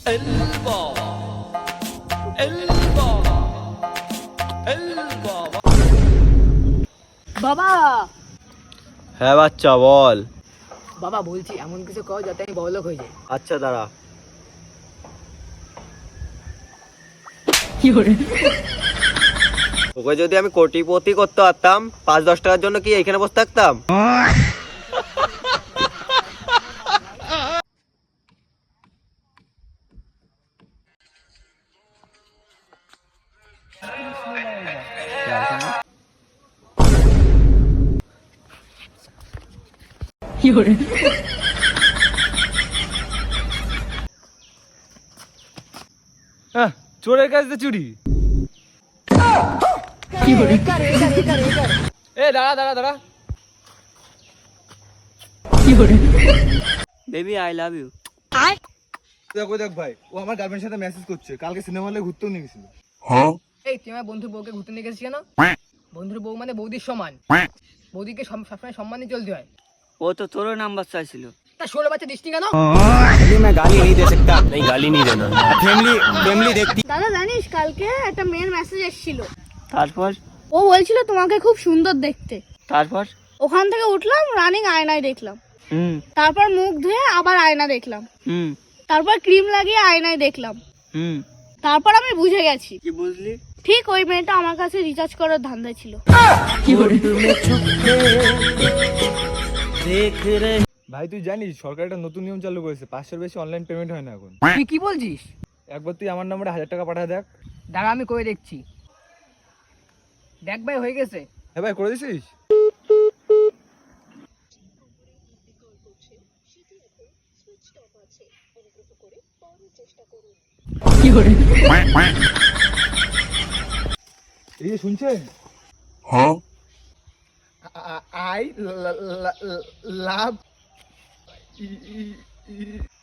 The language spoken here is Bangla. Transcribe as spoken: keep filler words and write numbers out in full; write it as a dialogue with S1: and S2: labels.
S1: বাবা।
S2: হ্যাঁ বাচ্চা বল।
S1: বাবা বলছি এমন কিছু কর যাতে আমি বড়লোক হয়ে যাই।
S2: আচ্ছা দাঁড়া। ওকে যদি আমি কোটিপতি করতে পারতাম পাঁচ দশ টাকার জন্য কি এখানে বসে থাকতাম?
S3: চোরের কাছে চুরি। এ দাঁড়া দাঁড়া দাঁড়া।
S2: Baby I love you.
S4: দেখো দেখ ভাই, ও আমার গার্লফ্রেন্ডের সাথে মেসেজ করছে, কালকে সিনেমা হলে ঘুরতেও নিয়ে গেছিল।
S1: এই তুই আমার বন্ধুর বউকে ঘুরতে নিয়ে গেছিস কেন? বন্ধুর বউ মানে বৌদির সমান, বৌদিকে সব- সবসময় সম্মান দিয়ে চলতে হয়।
S2: ও তো তোর নাম্বার চাইছিল।
S1: তা ষোলো বাচ্চা দৃষ্টি কেন?
S5: দাদা জানিস কালকে একটা মেয়ের মেসেজ এসেছিল,
S2: তারপর
S5: ও বলছিল তোমাকে খুব সুন্দর দেখতে।
S2: তারপর
S5: ওখান থেকে উঠলাম, রানিং আয়নায় দেখলাম,
S2: হুম
S5: তারপর মুখ ধুয়ে আবার আয়না দেখলাম,
S2: হুম
S5: তারপর ক্রিম লাগিয়ে আয়নায় দেখলাম,
S2: হুম
S5: তারপর আমি বুঝে গেছি
S2: কি বুঝলি?
S5: ঠিক ওই মেয়েটা আমার কাছে রিচার্জ করার ধান্দা ছিল।
S4: ভাই তুই জানিস সরকার একটা নতুন নিয়ম চালু করেছে, পাঁচশোর বেশি অনলাইন পেমেন্ট হয় না এখন।
S1: তুই কি বলছিস?
S4: একবার তুই আমার নম্বরে হাজার টাকা পাঠা দেখ।
S1: দাঁড়া আমি করে দেখছি। দেখ ভাই হয়ে গেছে।
S4: হ্যাঁ ভাই, করে দিছিস? এই যে শুনছেন? I love